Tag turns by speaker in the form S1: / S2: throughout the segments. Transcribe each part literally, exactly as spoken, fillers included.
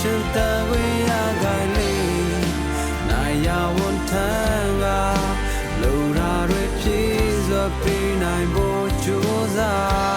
S1: we are going Naya won't tanga Lura repeats of pain I bought Josa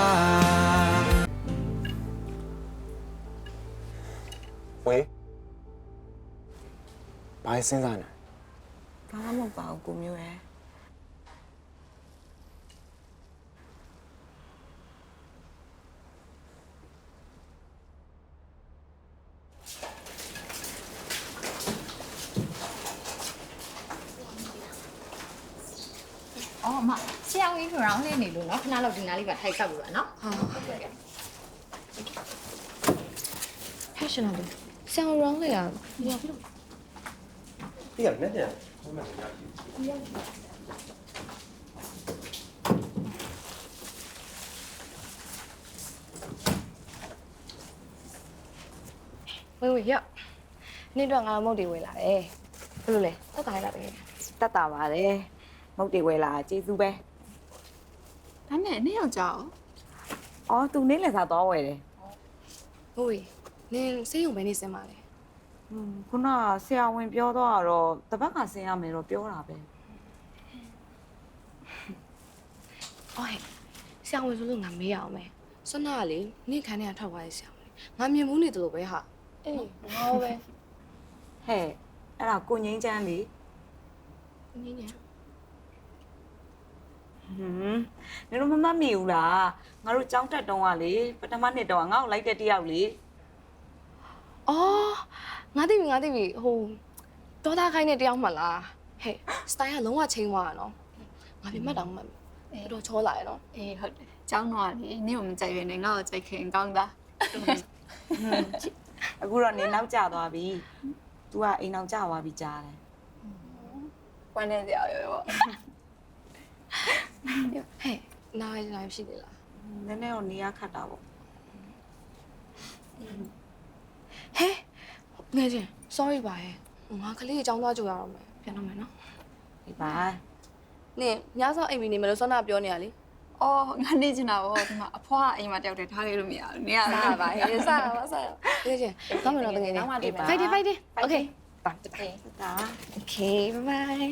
S2: Wait Buy Sinzana
S3: I'm about to go.
S4: Oh, ma, siya ang ikaw lang din nilo, no? Kanalaw din nali ba tayo sa buwan, no?
S3: Okay. Hey, Shanali. Siya ang wrong le ya.
S2: Yeah, net ya.
S3: Wait, wait, yeah. နေ့တော့ငါမုတ်တွေဝယ်လာတယ်ဘယ်လိုလဲတက်တာလာပဲတက်တာပါတယ်မုတ်တွေဝယ်လာကျေးဇူးပဲဒါနဲ့နေ့ရောက်ကြအောင်အော်သူနေ့လည်းစားတော့ဝယ်တယ်ဟုတ်ပြီနင်စေးရုံပဲနေစင်ပါလေဟွန်းခုနဆရာဝန်ပြောတော့တော့တပတ်ကဆင်းရမယ်တော့ပြောတာပဲအော်ဟဲ့ဆရာဝန်ဆိုလို့ငါမေးရအောင်မယ်စွမ်းနာကလေနေ့ခန်းထဲကထွက်သွားရဆရာဝန်ငါမြင်မှုနေတယ်လို့ပဲဟာအေးငါပဲဟဲ့အဲ့ဒါကိုငိမ့်ချမ်းလေကိုငိမ့်ညာဟွန်းနင်တို့မမတ်မိဘူးလားငါတို့ကြောင်းတက်တုံးကလေပထမနှစ်တုံးကငါ့ကိုလိုက်တဲ့တယောက်လေအော်ငါသိပြီငါသိပြီဟိုဒေါသခိုင်းတဲ့တယောက်မှလားဟဲ့စတိုင်ကလုံးဝချင်းသွားတာနော်ငါပြမှတ်တောင်မှတ်တော်တော်ချောလာရနော်အေးဟုတ်တယ်ကျောင်းတော့လေနင်ကိုမကြိုက်ရနဲ့ငါ့ကိုကြိုက်ခင်ကောင်းတာအခုတော့နင်နောက်ကျသွားပြီ तू ကအိမ်အောင်ကျသွားပြီကြားတယ်။ဝမ်းနေကြရရောပေါ့။ဟဲ့နားရနိုင်ရှိသေးလား။နည်းနည်းတော့နေရခတ်တာပေါ့။ဟဲ့ငယ်ချင်း sorry ပါရဲ့။ငါကလေးအကြောင်းသွားကြိုရအောင်မယ်။ပြန်တော့မယ်နော်။ဒီပါ။နင်ညစောအိမ်မီနေမလို့စောနာပြောနေရလေ။အော်ငါနေချင်တာပေါ့ဒီမှာအဖွားအိမ်မှာတယောက်တည်းထားခဲ့လို့မရဘူး။နေရစားပါဟဲ့စားပါစား။ငယ်ချင်းကောင်းမယ်နော်တကယ်ချင်း။ Fight fight okay Okay. Okay, bye-bye.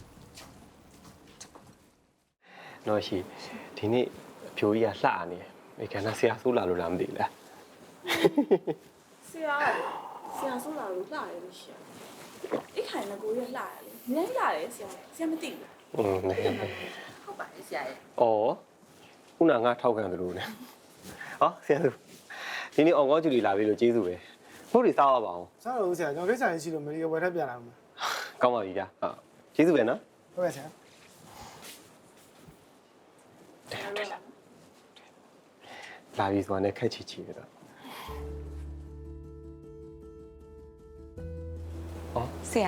S2: နော်ရှိဒီနေ့အဖြိုကြီးကလှနေတယ်။ဒီကနေ့ဆရာဆိုးလာလို့လားမသိဘူးလား။
S5: ဆရာဆရာဆိုးလာလို့လှတယ်လို့ရှိတယ်။အိတ်ခိုင်ကကိုရလှတယ်လေ။နည်းလှတယ်ဆရာ။ဆရာမသိဘူးလား
S2: อืมနေ
S5: ။ဟုတ်ပါတယ်ဆရာရဲ့
S2: ။အော်ခုနငါထောက်ခံသလိုနဲ့။ဟောဆရာသူဒီနေ့အောင်ကောင်းကျူလီလာပြီလို့ကျေးဇူးပဲ။ဟုတ်တယ်စားရပါအောင်
S6: စားလို့ဆရာကျွန်တော်ကိစ္စရရှိလို့မလီကဝယ်ထပ်ပြန်လာမှာ
S2: ။ကောင်းပါပြီကြာ။ဟုတ်ကျေးဇူးပဲနော်
S6: ဟုတ်ကဲ့ဆရာ
S2: ။လာပြီဆိုတာနဲ့ခက်ချီချီပဲတော့။အော်
S3: ဆရာ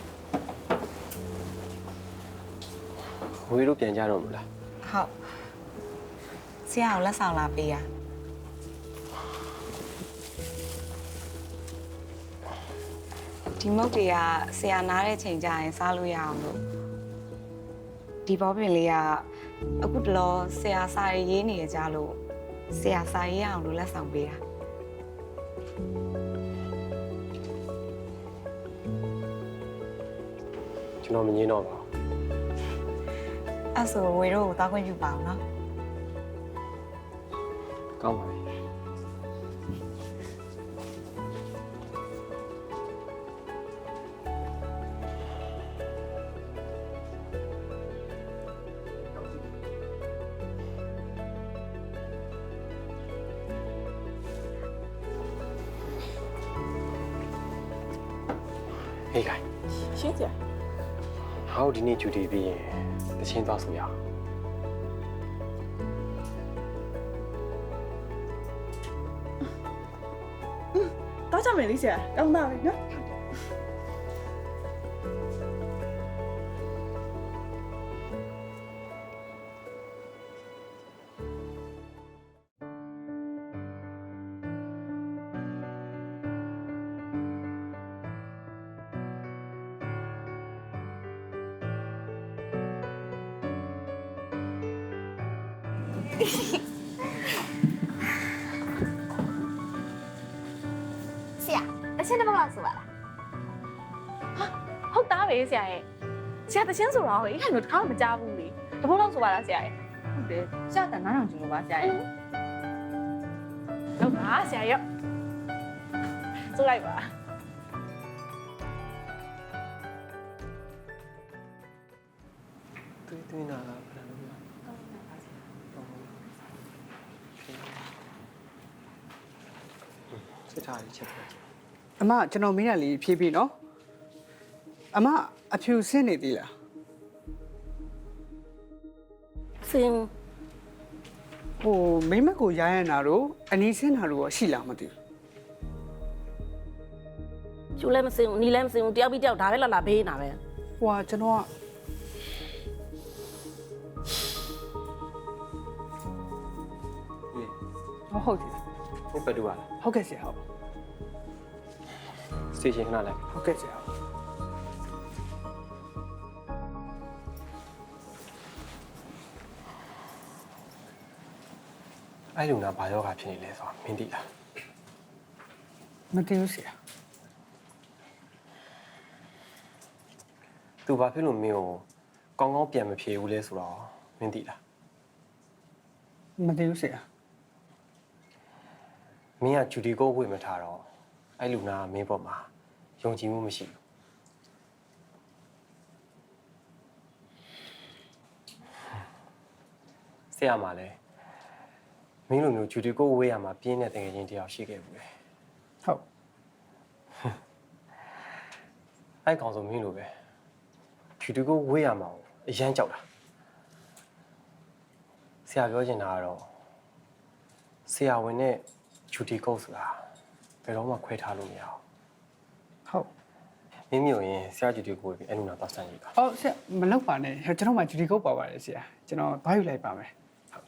S2: ဝေးတို့ပြန်ကြတော့မလား
S3: ဟုတ်ဆရာကိုလက်ဆောင်လာပေးရဒီမုတ်တွေကဆရာနားတဲ့ချိန်ကျရင်စားလို့ရအောင်လို့ဒီဘောပင်လေးကအခုတလောဆရာစာရေးနေရကြလို့ဆရာစာရေးအောင်လို့လက်ဆောင်ပေးတာ
S2: ကျွန်တော်မငင်းတော့ပါဘူး
S3: အဲ့ဆိုဝေတို့ကိုတောက်ခွင့်ပြုပါအောင်နော်
S2: ကောင်းပါပြီ ဟေးခိုင်
S5: ။ရှင်းကြ။
S2: ဟောဒီနေ့ဂျူတီပြီးရင်တချင်းသွားဆိုရအောင်
S5: တော့ကြမယ်လေဆရာ။ကောင်းတာပဲနော်။တချင်းတစ်ပုတ်လောက်ဆိုပါလားဟာဟုတ်သားပဲဆရာရဲ့ဆရာတချင်းဆိုတော့ဟိတ်ခိုင်တို့တစ်ခါမှမကြားဘူးလေတစ်ပုတ်လောက်ဆိုပါလားဆရာရဲ့
S3: ဟုတ်တယ်စတာနားထောင်ကြည့်လို့ပါဆရာရဲ့
S5: ဟုတ်ပါဆရာရဲ့ဆိုလိုက်ပါ
S2: တွေးတွေးနာဘယ်လိုလဲစစ်ထားရချက်ပဲ
S6: အမကျွန်တော်မင်းရလေးဖြေးပြီးနော်အမအဖြူဆင်းနေသေးလား
S7: စင်
S6: ဟိုမိမကိုရိုင်းရနာတော့အနီးဆင်းတာတော့ရှိလားမသိဘူး
S7: ကျူလည်းမစင်ဘူးနီလည်းမစင်ဘူးတယောက်ပြီးတယောက်ဒါပဲလာလာဘေးနေတာပဲ
S6: ဟွာကျွန်တော်ကဟုတ်ဟုတ်တယ်
S2: ဟုတ်ပဲတူပါလား
S6: ဟုတ်ကဲ့ဆရာဟုတ်
S2: စတေရှင်ခဏလိုက်
S6: ဟုတ်ကဲ့ဆရာ
S2: အဲ့လူနာဘာယောဂဖြစ်နေလဲဆိုတာမင်းသိလား
S6: မသိဘူးဆရာ
S2: သူဘာဖြစ်လို့မင်းကိုကောင်းကောင်းပြန်မဖြေဘူးလဲဆိုတော့မင်းသိလား
S6: မသိဘူးဆရာ
S2: မင်းကဂျူဒီကိုဝေမထားတော့အဲ့လူနာကမင်းပေါ်မှာယုံကြည်မှုမရှိဘူးဆရာမလည်းမင်းလိုမျိုးဂျူဒီကိုဝေးရမှာပြင်းတဲ့တကယ်ချင်းတယောက်ရှိခဲ့ဘူးလေ
S6: ဟုတ်
S2: အဲ့ကောင်ဆိုမင်းလိုပဲဂျူဒီကိုဝေးရမှာအရန်ကြောက်တာဆရာပြောချင်တာကတော့ဆရာဝန်နဲ့ဂျူဒီကိုဆိုတာဘယ်တော့မှခွဲထားလို့မရအောင်
S6: ဟုတ်
S2: မင်းမျိုးရင်ဆရာဂျူဒီကိုဝေးပြီးအဲ့လိုနာတော့စမ်းကြည့်ပါ
S6: အော်ဆရာမလောက်ပါနဲ့ကျွန်တော်မှဂျူဒီကုတ်ပါပါတယ်ဆရာကျွန်တော်ဘာယူလိုက်ပါမယ်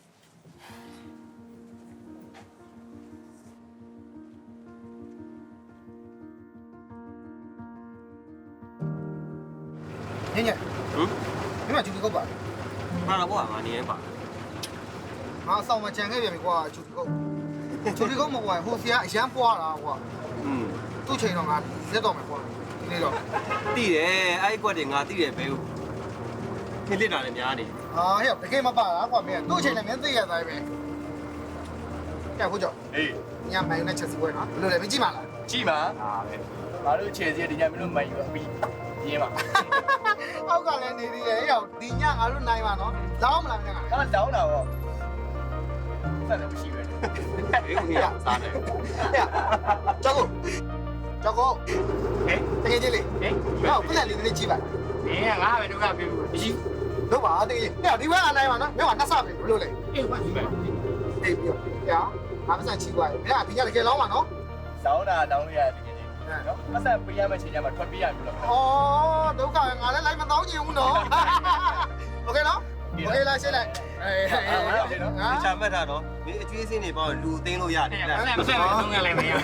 S6: ညည
S2: ဟမ်
S6: ဒီမှာဂျူဒီကုတ်ပါ
S2: မှာတော့ဘာငါနေရင်ပါ
S6: ငါအဆောင်မှာကြံခဲ့ပြန်ပြီကွာဂျူဒီကုတ်ဂျူဒီကုတ်မကွာဟိုဆရာအရန်ပွားတာကွာ
S2: อืม
S6: သူ့ချိန်တော့ငါရက်တော့မယ်ကွာဒီနေ့တော့
S2: တိတယ်အဲ့ကွက်တွေငါတိတယ်ဘဲဟုတ်ခင်းလစ်တာလည်းများနေ
S6: အာဟဲ့တကယ်မပါလားကွာမင်းသူ့ချိန်လည်းမင်းသိရသားပဲကဲဟုတ်ကြော
S8: အေး
S6: ညမိုင်းနဲ့ချက်စီပွဲနော်ဘယ်လိုလဲမကြည့်ပါလား
S8: ကြည့်ပါဟာပဲငါတို့ခြေစီဒီညမင်းတို့မိုင်ယူပြီးပြင်းပါ
S6: အောက်ကလည်းနေသေးတယ်ဟဲ့ဒီညငါတို့နိုင်ပါနော်လောင်းမလားမင်းက
S8: ဟာတောင်းတာဗောဆက်လည်းမရှိပဲ
S2: အေးကိုရစားတယ်
S6: ဟဲ့ကြောက်ကိုကြောက်ကို
S8: ဟေး
S6: တကယ်ကြီးလေ
S8: ဟေး
S6: ဟောပြန်လေးလေးကြည့်ပါ
S8: မင်းကငါပဲဒုက္ခပြေဘူးမရှိ
S6: လို့ပါတကယ်ကြီးဟဲ့ဒီဘက်ကနိုင်ပါနော်မင်းကနှစ်ဆပဲဘယ်လိုလဲ
S8: အေးဘာဒီမဲ့
S6: အေးပြောဟဲ့ငါမဆန်ချီသွားတယ်မင်းကဒီညတကယ်လောင်းပါနော်
S8: တောင်းတာတောင်းလို့ရတယ်တကယ်ကြီးနော်မဆက်ပေးရမယ့်ချိန်ကျမှထွက်ပြေးရပြီလို့
S6: ဩဒုက္ခငါလည်းလိုက်မတောင်းချင်ဘူးနော်โอเคနော်โอเคလားရှင်းလိုက်အေးအေး
S8: ဟာလေနော်
S2: ဒီချာမှတ်တာတော့ဒီအကျွေးစင်းတွေပေါ့လူသိန်းလို့ရတယ်လား
S8: မဆက်လည်းသုံးရလည်းမရ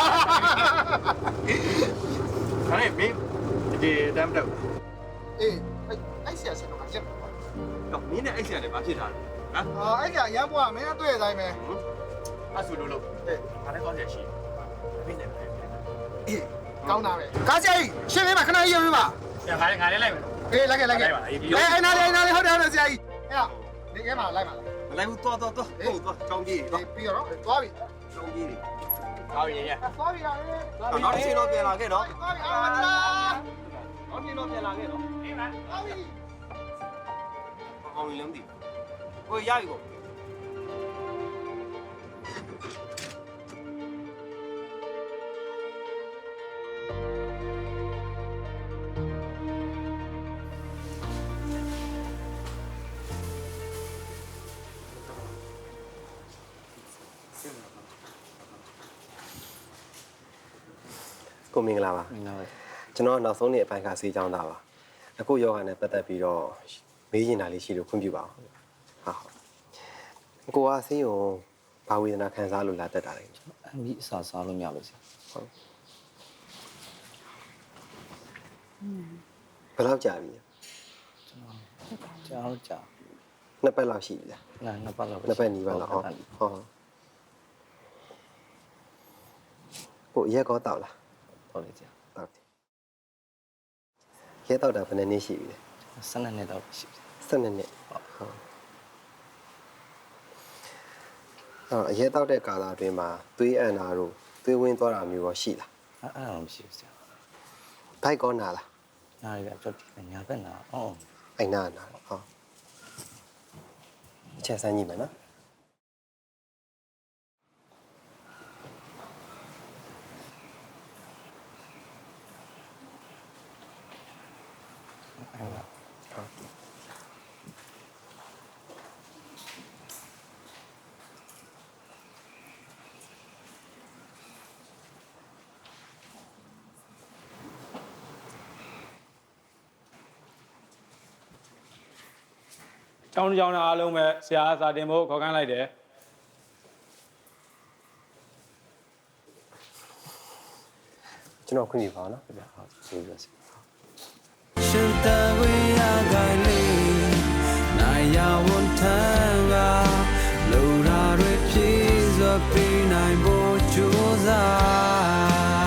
S8: ဟာလေမင်းဒီတမ်းတော့
S6: အေးအဲ့ဆရာရှင်တော့ရက်ပါ
S2: တော့မင်းနဲ့အဲ့ဆရာတွေဘာဖြစ်တာလဲဟမ်
S6: အာအဲ့ကရမ်းပွားမင်းတွေ့ရတိုင်းပဲ
S8: အဆူလို့လို့
S6: အေး
S8: ငါလည်းကောင်းရရှိမင်းနဲ့ပဲ
S6: အေးကောင်းတာပဲကားဆရာကြီးရှင်းပေးပါခဏရေးပေးပါ
S8: ငါလည်းငါလည်းလိုက်မယ်
S6: အေးလိုက်ခဲ့လိုက်ခဲ့အေးအဲ့နားလေးနားလေးဟုတ်တယ်ဟုတ်တယ်ဆရာကြီးဟဲ့ဒီကဲမှာလိုက်ပါလား
S2: မလိုက်ဘူးသွားသွားသွားဟုတ်သွားချောင်းကြီးသွား
S6: ပြီးတော့သွားပြီ
S2: ချောင်းကြီး
S8: ဟောရင်ရ
S6: သွားပြီလား
S2: နောက်တစ်ချိန်တော့ပြန်လာခဲ့နော်
S6: သွားပြီအာမလား
S2: နောက်တစ်ချိန်တော့ပြန်လာခဲ့နော်
S8: အေးပါ
S6: သွားပြီ
S2: အောင်လုံးတည်ကိုရပြီကို ကိုမင်္ဂလာပါမင်္ဂလာပါကျွန်တော်နောက်ဆုံးနေ့အပိုင်းကဆေးချောင်းသားပါအခုယောဂနဲ့ပတ်သက်ပြီးတော့မေးချင်တာလေးရှိလို့ခွင့်ပြုပါအောင်ဟုတ်ဟုတ်ကိုကဆေးရုံဘာဝေဒနာခံစားလို့လာတက်တာလဲ
S9: အမိအစာစားလို့မရလို့ဆရာ
S2: ဟုတ်ဘယ်လောက်ကြာပြီ
S9: ကျွန်တော်ကြာ
S2: နှစ်ပတ်လောက်ရှိပြီလား
S9: ငါနှစ်ပတ်လောက်
S2: နှစ်ပတ်နီးပါလားဟုတ်ဟုတ်ကိုရက်ကောတောက်လား
S9: ဟုတ်လေဆရာ
S2: ဟုတ်တယ်ရဲတော့တာဘယ်နှစ်နှစ်ရှိပြီလဲ
S9: ဆယ်နှစ်နှစ်တော့ရှိတယ်
S2: စနေနေ့ဟုတ်ဟုတ်အော်ရဲတော့တဲ့ကာလာအတွင်းမှာသွေးအန်နာတို့သွေးဝင်းသွားတာမျိုးရောရှိလား
S9: အဲ့အဲ့တော့မရှိဘူးဆရာ
S2: ဘိုက်ကောနာလား
S9: နားရပြတော့ညာဘက်နာအော်
S2: အိုင်နာနာဟုတ်ချက်စမ်းကြည့်မယ်နော်
S9: အဲ့ဒါ
S10: ကျောင်းကျောင်းသားအားလုံးပဲဆရာစာတင်ဖို့ခေါ်ခိုင်းလိုက်တယ်
S2: ကျွန်တော်ခွင့်ပြုပါအောင်နော်
S9: ပြဟုတ်ကျေးဇူးပါဆရာ
S1: ရှင်တဝေးရကိုင်လေးနိုင်ရဝန်ထမ်းကလူရာတွေပြေစွာပြနိုင်ဖို့ကြိုးစား